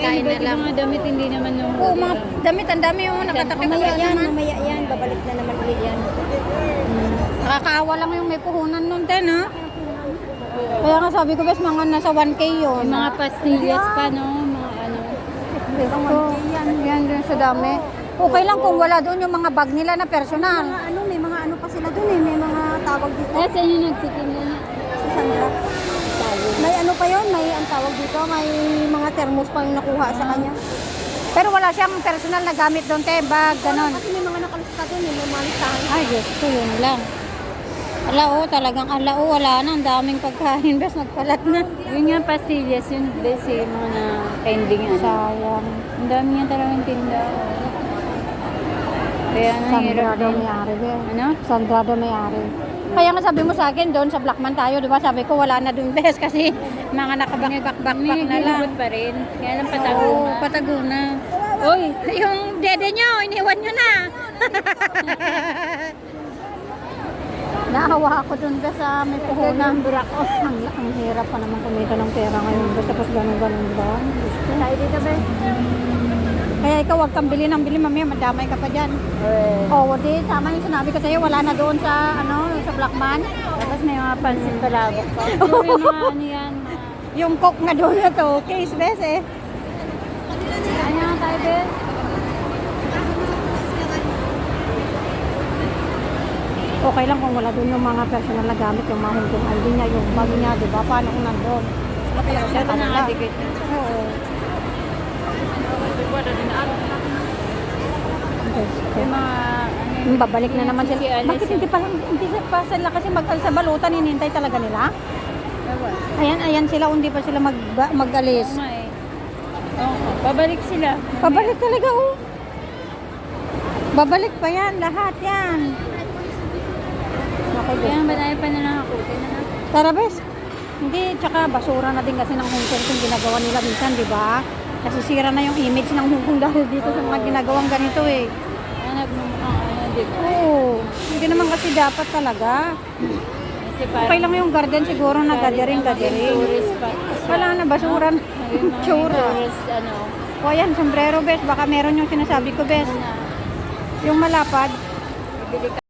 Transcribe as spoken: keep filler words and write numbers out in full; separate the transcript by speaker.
Speaker 1: pagkain na lang.
Speaker 2: Mga damit hindi naman yung...
Speaker 1: Oo, mga damit, ang dami yung nakatabi.
Speaker 3: Mamaya yan,
Speaker 1: naman.
Speaker 3: mamaya yan. Babalik na naman ulit yan.
Speaker 1: Nakakaawa lang yung may puhunan nun din, ha? Kaya nga sabi ko, bes, mga nasa one K yun.
Speaker 2: Yung mga pastillas pa, no? Mga ano.
Speaker 1: Ito, yan, yan din sa dami. Okay lang kung wala doon yung mga bag nila na personal.
Speaker 3: Mga ano, may mga ano pa sila dun eh. May mga tawag dito.
Speaker 2: Kaya saan yung nagtitinda na?
Speaker 3: Si Sandra. May ano pa yun? May ang tawag dito. May mga thermos pa yung nakuha sa kanya.
Speaker 1: Pero wala siyang personal na gamit doon, te, bag, ganon.
Speaker 3: Kasi may mga nakalista dun eh. May mga listahan.
Speaker 1: Ay, Diyos ko, yun lang. Ala, oh, talagang ala, oh, wala na. Ang daming pagkain, bes, nagkalat na.
Speaker 2: Yun nga pastillas, yun best eh, mga na pending ano.
Speaker 1: Sayang.
Speaker 2: Ang dami nga talagang tinda. Kaya
Speaker 1: Sandra
Speaker 2: nahirap
Speaker 1: daw
Speaker 2: din.
Speaker 1: may-ari, be.
Speaker 2: Ano?
Speaker 1: Sandra daw may-ari. Kaya nga sabi mo sa akin, doon sa Blackman tayo, di ba? Sabi ko, wala na doon, bes, kasi mga nakabak-bak-bak
Speaker 2: May
Speaker 1: na lang.
Speaker 2: gilibot pa rin. Kaya lang patago
Speaker 1: Oo,
Speaker 2: na.
Speaker 1: patago na.
Speaker 2: Uy!
Speaker 1: Yung dede nyo, iniwan nyo na. Naawa ako dun ba sa may puhunan. Ang, ang hirap pa naman kumita ng pera ngayon. Basta pas ganun-ganun ba? Gusto.
Speaker 3: Tayo dito, be.
Speaker 1: Kaya ikaw wag kang bili ng bili, mamaya madamay ka pa dyan.
Speaker 2: Eh.
Speaker 1: Oo, oh, di, tama yung sinabi ko sa'yo, wala na doon sa, ano, sa Blackman.
Speaker 2: Tapos may mga pansin palabok pa. Yung mga ano yan. mga-
Speaker 1: Yung coke nga doon na to, case bes eh.
Speaker 2: Ano nga tayo, Bes?
Speaker 1: Okay lang kung wala doon yung mga personal na gamit, yung mga hungkong I D niya, yung bag niya, di ba? Paano kung nandun? Kaya siya
Speaker 2: Dapat
Speaker 1: kanila.
Speaker 2: nakadikit na.
Speaker 1: Oo.
Speaker 2: Yung mga ano
Speaker 1: Hmm, babalik na naman sila.
Speaker 2: Si Alice
Speaker 1: Bakit
Speaker 2: yun.
Speaker 1: hindi pa hindi pa sila kasi mag sa balutan hinihintay talaga nila?
Speaker 2: Ewan.
Speaker 1: Ayan, ayan sila hindi pa sila mag mag-alis.
Speaker 2: Oo nga eh. Oo, babalik sila.
Speaker 1: Babalik talaga oh. Babalik pa yan, lahat yan. Okay,
Speaker 2: Kaya ba tayo pa na nakakutin na?
Speaker 1: Tara, bes. Hindi, tsaka basura na din kasi ng Hong Kong yung ginagawa nila minsan, di ba? Kasi sira na yung image ng Hong Kong dahil dito sa mga ginagawang ganito eh.
Speaker 2: Ano, nagmumukhang ano, di ba?
Speaker 1: Oo, hindi naman kasi dapat talaga.
Speaker 2: Kasi parang
Speaker 1: Okay lang yung garden siguro na gathering, gathering.
Speaker 2: tourist spot.
Speaker 1: Wala na, basura na.
Speaker 2: Yung mga
Speaker 1: Tsura.
Speaker 2: tourist, ano,
Speaker 1: O ayan, sombrero, bes. Baka meron yung sinasabi ko, bes.
Speaker 2: na
Speaker 1: Yung malapad.
Speaker 2: bibili ka